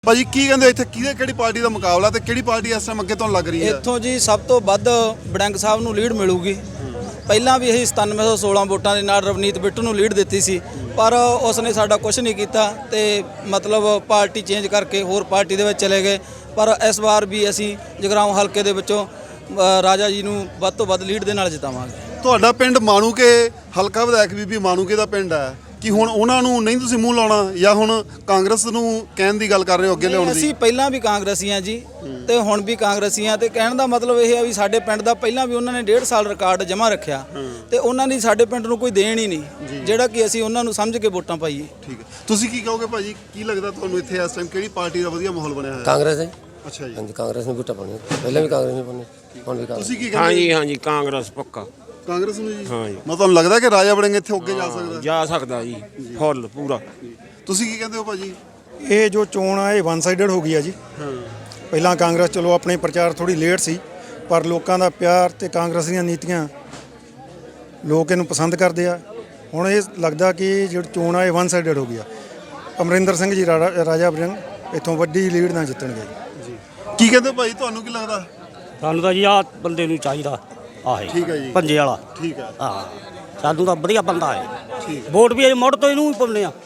ਭਾਜੀ ਕੀ ਕਹਿੰਦੇ ਇੱਥੇ ਕਿਹੜੀ ਪਾਰਟੀ ਦਾ ਮੁਕਾਬਲਾ ਤੇ ਕਿਹੜੀ ਪਾਰਟੀ ਇਸ ਟਾਈਮ ਅੱਗੇ ਤੁਹਾਨੂੰ ਲੱਗ ਰਹੀ ਹੈ? ਇੱਥੋਂ ਜੀ ਸਭ ਤੋਂ ਵੱਧ ਬੜਿੰਗ ਸਾਹਿਬ ਨੂੰ ਲੀਡ ਮਿਲੂਗੀ। ਪਹਿਲਾਂ ਵੀ ਅਸੀਂ 9716 ਵੋਟਾਂ ਦੇ ਨਾਲ ਰਵਨੀਤ ਬਿੱਟੂ ਨੂੰ ਲੀਡ ਦਿੱਤੀ ਸੀ, ਪਰ ਉਸਨੇ ਸਾਡਾ ਕੁਝ ਨਹੀਂ ਕੀਤਾ ਤੇ ਮਤਲਬ ਪਾਰਟੀ ਚੇਂਜ ਕਰਕੇ ਹੋਰ ਪਾਰਟੀ ਦੇ ਵਿੱਚ ਚਲੇ ਗਏ। ਪਰ ਇਸ ਵਾਰ ਵੀ ਅਸੀਂ ਜਗਰਾਉਂ ਹਲਕੇ ਦੇ ਵਿੱਚੋਂ ਰਾਜਾ ਜੀ ਨੂੰ ਵੱਧ ਤੋਂ ਵੱਧ ਲੀਡ ਦੇ ਨਾਲ ਜਿਤਾਵਾਂਗੇ। ਤੁਹਾਡਾ ਪਿੰਡ ਮਾਣੂਕੇ ਹਲਕਾ ਵਿਧਾਇਕ ਬੀਬੀ ਮਾਣੂਕੇ ਦਾ ਪਿੰਡ ਹੈ ਕਿ ਹੁਣ ਉਹਨਾਂ ਨੂੰ ਨਹੀਂ ਤੁਸੀਂ ਮੂੰਹ ਲਾਉਣਾ ਜਾਂ ਹੁਣ ਕਾਂਗਰਸ ਨੂੰ ਕਹਿਣ ਦੀ ਗੱਲ ਕਰ ਰਹੇ ਹੋ ਅੱਗੇ ਲਿਆਉਣ ਦੀ? ਅਸੀਂ ਪਹਿਲਾਂ ਵੀ ਕਾਂਗਰਸੀ ਹਾਂ ਜੀ ਤੇ ਹੁਣ ਵੀ ਕਾਂਗਰਸੀ ਹਾਂ, ਤੇ ਕਹਿਣ ਦਾ ਮਤਲਬ ਇਹ ਹੈ ਵੀ ਸਾਡੇ ਪਿੰਡ ਦਾ ਪਹਿਲਾਂ ਵੀ ਉਹਨਾਂ ਨੇ 1.5 ਸਾਲ ਰਿਕਾਰਡ ਜਮ੍ਹਾਂ ਰੱਖਿਆ ਤੇ ਉਹਨਾਂ ਦੀ ਸਾਡੇ ਪਿੰਡ ਨੂੰ ਕੋਈ ਦੇਣ ਹੀ ਨਹੀਂ, ਜਿਹੜਾ ਕਿ ਅਸੀਂ ਉਹਨਾਂ ਨੂੰ ਸਮਝ ਕੇ ਵੋਟਾਂ ਪਾਈਏ। ਠੀਕ ਹੈ, ਤੁਸੀਂ ਕੀ ਕਹੋਗੇ ਭਾਜੀ? ਕੀ ਲੱਗਦਾ ਤੁਹਾਨੂੰ ਇੱਥੇ ਇਸ ਟਾਈਮ ਕਿਹੜੀ ਪਾਰਟੀ ਦਾ ਵਧੀਆ ਮਾਹੌਲ ਬਣਿਆ ਹੋਇਆ? ਕਾਂਗਰਸ ਹੈ। ਅੱਛਾ ਜੀ, ਹਾਂਜੀ, ਕਾਂਗਰਸ ਨੂੰ ਵੋਟਾਂ ਪਾਉਣੀਆਂ, ਪਹਿਲਾਂ ਵੀ ਕਾਂਗਰਸ ਨੂੰ ਪਾਉਣੀ, ਹੁਣ ਵੀ ਕਾਂਗਰਸ। ਤੁਸੀਂ ਕੀ ਕਹਿੰਦੇ? ਹਾਂਜੀ ਕਾਂਗਰਸ ਪੱਕਾ ਕਾਂਗਰਸ ਨੂੰ ਜੀ? ਹਾਂ ਜੀ। ਮੈਂ ਤੁਹਾਨੂੰ ਲੱਗਦਾ ਕਿ ਰਾਜਾ ਵੜਿੰਗ ਇੱਥੇ ਅੱਗੇ ਜਾ ਸਕਦਾ? ਜਾ ਸਕਦਾ ਜੀ, ਫੁੱਲ ਪੂਰਾ। ਤੁਸੀਂ ਕੀ ਕਹਿੰਦੇ ਹੋ ਭਾਜੀ? ਇਹ ਜੋ ਚੋਣ ਆ ਇਹ ਵਨ ਸਾਈਡਡ ਹੋ ਗਈ ਆ ਜੀ। ਪਹਿਲਾਂ ਕਾਂਗਰਸ ਚਲੋ ਆਪਣੇ ਪ੍ਰਚਾਰ ਥੋੜੀ ਲੇਟ ਸੀ, ਪਰ ਲੋਕਾਂ ਦਾ ਪਿਆਰ ਤੇ ਕਾਂਗਰਸ ਦੀਆਂ ਨੀਤੀਆਂ ਲੋਕ ਇਹਨੂੰ ਪਸੰਦ ਕਰਦੇ ਆ। ਹੁਣ ਇਹ ਲੱਗਦਾ ਕਿ ਜਿਹੜੀ ਚੋਣ ਆ ਇਹ ਵਨ ਸਾਈਡਡ ਹੋ ਗਈ ਆ। ਅਮਰਿੰਦਰ ਸਿੰਘ ਜੀ ਰਾਜਾ ਵੜਿੰਗ ਇੱਥੋਂ ਵੱਡੀ ਲੀਡ ਨਾਲ ਜਿੱਤਣਗੇ ਜੀ। ਕੀ ਕਹਿੰਦੇ ਭਾਈ, ਤੁਹਾਨੂੰ ਕੀ ਲੱਗਦਾ? ਸਾਨੂੰ ਤਾਂ ਜੀ ਆਹ ਬੰਦੇ ਨੂੰ ਚਾਹੀਦਾ ਆਹੇ ਠੀਕ ਹੈ ਜੀ, ਪੰਜੇ ਵਾਲਾ। ਠੀਕ ਹੈ, ਹਾਂ, ਸਾਨੂੰ ਤਾਂ ਵਧੀਆ ਬੰਦਾ ਹੈ। ਠੀਕ ਹੈ। ਵੋਟ ਵੀ ਇਹ ਮੁੜ ਤੋਂ ਇਹਨੂੰ ਹੀ ਪਾਉਂਦੇ ਆ।